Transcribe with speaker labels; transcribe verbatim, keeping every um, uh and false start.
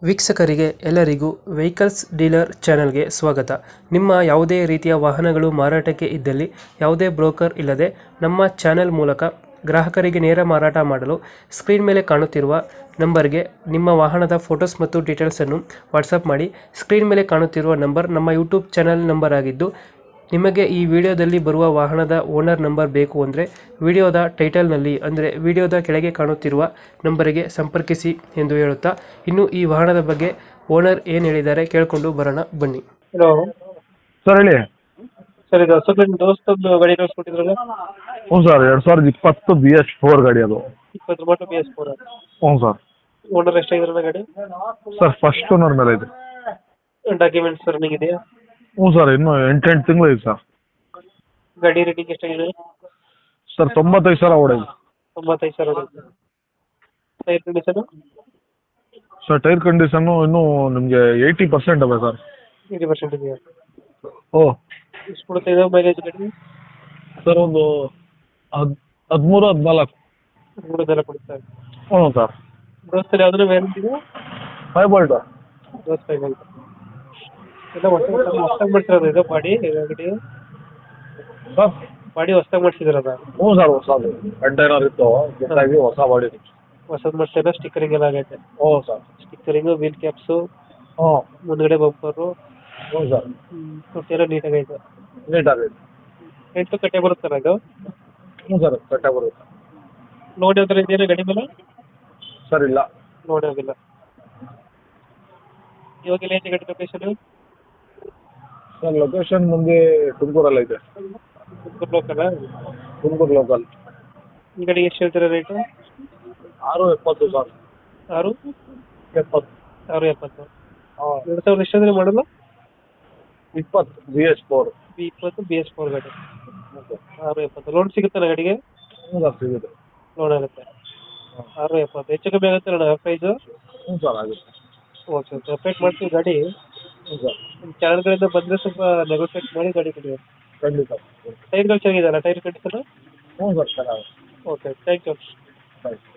Speaker 1: ವೀಕ್ಷಕರಿಗೆ ಎಲ್ಲರಿಗೂ vehicles dealer ಚಾನೆಲ್ಗೆ ಸ್ವಾಗತ. ನಿಮ್ಮ ಯಾವುದೇ ರೀತಿಯ ವಾಹನಗಳು ಮಾರಾಟಕ್ಕೆ ಇದ್ದಲ್ಲಿ ಯಾವುದೇ ಬ್ರೋಕರ್ ಇಲ್ಲದೆ ನಮ್ಮ ಚಾನೆಲ್ ಮೂಲಕ ಗ್ರಾಹಕರಿಗೆ ನೇರ ಮಾರಾಟ ಮಾಡಲು ಸ್ಕ್ರೀನ್ ಮೇಲೆ ಕಾಣುತ್ತಿರುವ ನಂಬರ್ಗೆ ನಿಮ್ಮ ವಾಹನದ ಫೋಟೋಸ್ ಮತ್ತು ಡೀಟೇಲ್ಸನ್ನು ವಾಟ್ಸಪ್ ಮಾಡಿ. ಸ್ಕ್ರೀನ್ ಮೇಲೆ ಕಾಣುತ್ತಿರುವ ನಂಬರ್ ನಮ್ಮ ಯೂಟ್ಯೂಬ್ ಚಾನೆಲ್ ನಂಬರ್ ಆಗಿದ್ದು, ನಿಮಗೆ ಈ ವಿಡಿಯೋದಲ್ಲಿ ಬರುವ ವಾಹನದ ಓನರ್ ನಂಬರ್ ಬೇಕು ಅಂದರೆ ವಿಡಿಯೋದ ಟೈಟಲ್ನಲ್ಲಿ ಅಂದರೆ ವಿಡಿಯೋದ ಕೆಳಗೆ ಕಾಣುತ್ತಿರುವ ನಂಬರಿಗೆ ಸಂಪರ್ಕಿಸಿ ಎಂದು ಹೇಳುತ್ತಾ, ಇನ್ನು ಈ ವಾಹನದ ಬಗ್ಗೆ ಓನರ್ ಏನು ಹೇಳಿದ್ದಾರೆ ಕೇಳಿಕೊಂಡು ಬರೋಣ ಬನ್ನಿ. ಹಲೋ
Speaker 2: ಸರ್ ಹೇಳಿ.
Speaker 1: ಸರ್, ಇದು ಅಶೋಕ್ ದೋಸ್ತೊಂದು ಗಾಡಿ ಕಳಿಸ್ಕೊಟ್ಟಿದ್ರಲ್ಲ?
Speaker 2: ಹ್ಞೂ ಸರ್, ಎರಡು ಸಾವಿರದ ಇಪ್ಪತ್ತು ಬಿ ಎಸ್ ಫೋರ್ ಗಾಡಿ ಅದು.
Speaker 1: ಇಪ್ಪತ್ತು ಮಾಟು ಬಿ ಎಸ್ ಫೋರ್.
Speaker 2: ಹ್ಞೂ ಸರ್.
Speaker 1: ಓನರ್ ಎಷ್ಟಾಗಿದ್ರಲ್ಲ ಗಾಡಿ?
Speaker 2: ಸರ್ ಫಸ್ಟ್ ಓನರ್ ಮೇಲೆ ಇದೆ.
Speaker 1: ಡಾಕ್ಯುಮೆಂಟ್ಸ್ ರನ್ನಿಂಗ್ ಇದೆಯಾ?
Speaker 2: ಹ್ಞೂ ಸರ್, ಇನ್ನೂ ಎಂಟೆಂಟು ತಿಂಗಳು ಇದೆ ಸರ್.
Speaker 1: ಗಾಡಿ ರೇಟಿಂಗ್ ಎಷ್ಟಾಗಿದೆ?
Speaker 2: ಸರ್ ತೊಂಬತ್ತೈದು ಸಾವಿರ ಓಡಿದೆ.
Speaker 1: ತೊಂಬತ್ತೈದು ಸಾವಿರ. Tyre condition?
Speaker 2: Sir tyre condition ಇನ್ನೂ ನಿಮಗೆ ಏಯ್ಟಿ ಪರ್ಸೆಂಟ್ ಅವೆ ಸರ್.
Speaker 1: ಏಯ್ಟಿ ಪರ್ಸೆಂಟ್ ಇದೆಯಾ?
Speaker 2: ಓ
Speaker 1: ಎಷ್ಟು ಕೊಡುತ್ತೆ ಇದು ಮೈಲೇಜ್ ಗಾಡಿ?
Speaker 2: ಸರ್ ಒಂದು ಹದ್ ಹದಿಮೂರು ಹದಿನಾಲ್ಕು.
Speaker 1: ಮೂರದೆಲ್ಲ ಕೊಡುತ್ತೆ.
Speaker 2: ಹ್ಞೂ ಸರ್.
Speaker 1: ದೋಸ್ತಲ್ಲಿ ಯಾವ್ದಾದ್ರು ವ್ಯಾರಂಟಿ ಇದೆ?
Speaker 2: Five bolt.
Speaker 1: ದೋಸ್ತ ಫೈವ್ ಅಂತ ಎಲ್ಲ ಹೊಸ ಹೊಸ್ದಾಗಿ ಮಾಡ್ಸಿರೋದು ಇದು ಬಾಡಿ ಗಾಡಿ?
Speaker 2: ಸರ್
Speaker 1: ಬಾಡಿ ಹೊಸ್ದಾಗಿ ಮಾಡಿಸಿದ್ರದ?
Speaker 2: ಹ್ಞೂ ಸರ್, ಹೊಸದು ಕಂಟೈನರ್ ಇತ್ತು, ಜೊತೆಗೆ ಹೊಸ ಬಾಡಿ.
Speaker 1: ಹೊಸದು ಮಾಡ್ಸಿದ್ರೆ ಸ್ಟಿಕ್ಕರಿಂಗ್ ಎಲ್ಲ ಆಗೈತೆ?
Speaker 2: ಹ್ಞೂ ಸರ್.
Speaker 1: ಸ್ಟಿಕ್ಕರಿಂಗು, ವೀಲ್ ಕ್ಯಾಪ್ಸು,
Speaker 2: ಹ್ಞೂ
Speaker 1: ಮುಂದ್ಗಡೆ ಬಂಪರು,
Speaker 2: ಹ್ಞೂ ಸರ್,
Speaker 1: ಒಟ್ಟೆಲ್ಲ ನೀಟಾಗೈತೆ.
Speaker 2: ನೀಟಾಗೈತೆ.
Speaker 1: ಎಂಟು ಕಟ್ಟೆ ಬರುತ್ತಲ್ಲ ಇದು?
Speaker 2: ಹ್ಞೂ ಸರ್, ಕಟ್ಟ ಬರುತ್ತೆ.
Speaker 1: ಲೋನ್ ಯಾವ ಥರ ಇದೆಯಾ ಗಾಡಿ ಮೇಲೆ?
Speaker 2: ಸರ್ ಇಲ್ಲ.
Speaker 1: ಲೋನ್ ಆಗಿಲ್ಲ. ಇವಾಗ ಎಲ್ಲ ಐತೆ ಗಾಡಿ ಲೊಕೇಶನ್?
Speaker 2: ಸರ್ ಲೊಕೇಶನ್ ಮುಂದೆ ತುಮಕೂರಲ್ಲಿ ಐತೆ.
Speaker 1: ತುಮಕೂರು ಲೋಕಲ್?
Speaker 2: ತುಮಕೂರು ಲೋಕಲ್.
Speaker 1: ಈ ಗಾಡಿಗೆ ಎಷ್ಟು ಹೇಳ್ತೀರಾ ರೇಟು?
Speaker 2: ಆರು ಎಪ್ಪತ್ತು ಸರ್.
Speaker 1: ಆರು
Speaker 2: ಎಪ್ಪತ್ತು.
Speaker 1: ಆರು ಎಪ್ಪತ್ತು.
Speaker 2: ಹಾಂ.
Speaker 1: ಎರಡು ಸಾವಿರದ ಎಷ್ಟು ಅಂದರೆ ಮಾಡಲ್ಲ?
Speaker 2: ಇಪ್ಪತ್ತು ಬಿ ಎಸ್ ಫೋರ್.
Speaker 1: ಬಿ ಇಪ್ಪತ್ತು ಬಿ ಎಸ್ ಫೋರ್ ಗಾಡಿ. ಆರು ಎಪ್ಪತ್ತು. ಲೋನ್ ಸಿಗುತ್ತಲ್ಲ ಗಾಡಿಗೆ?
Speaker 2: ಹ್ಞೂ ಸರ್, ಸಿಗುತ್ತೆ.
Speaker 1: ಲೋನ್ ಆಗುತ್ತೆ. ಆರು ಎಪ್ಪತ್ತು. ಹೆಚ್ಚು ಕಮ್ಮಿ ಆಗುತ್ತೆ ಅಣ್ಣ ಪ್ರೈಸು?
Speaker 2: ಹ್ಞೂ ಸರ್, ಆಗುತ್ತೆ.
Speaker 1: ಓಕೆ ಓಕೆ, ಅಪ್ಡೇಟ್ ಮಾಡ್ತೀವಿ ಗಾಡಿ.
Speaker 2: ಹ್ಞೂ ಸರ್.
Speaker 1: ನಿಮ್ಮ ಚಾನಲ್ಗಳಿಂದ ಬಂದರೆ ಸ್ವಲ್ಪ ನೆಗೋಷಿಯೇಟ್ ಮಾಡಿ ಗಾಡಿ ಕೊಡಿ.
Speaker 2: ಖಂಡಿತ.
Speaker 1: ಟೈರ್ಗಳು ಚೆನ್ನಾಗಿದೆಯಲ್ಲ? Tyre condition?
Speaker 2: ಹ್ಞೂ ಸರ್, ಚೆನ್ನಾಗಿ.
Speaker 1: Okay, thank you.
Speaker 2: Thank you.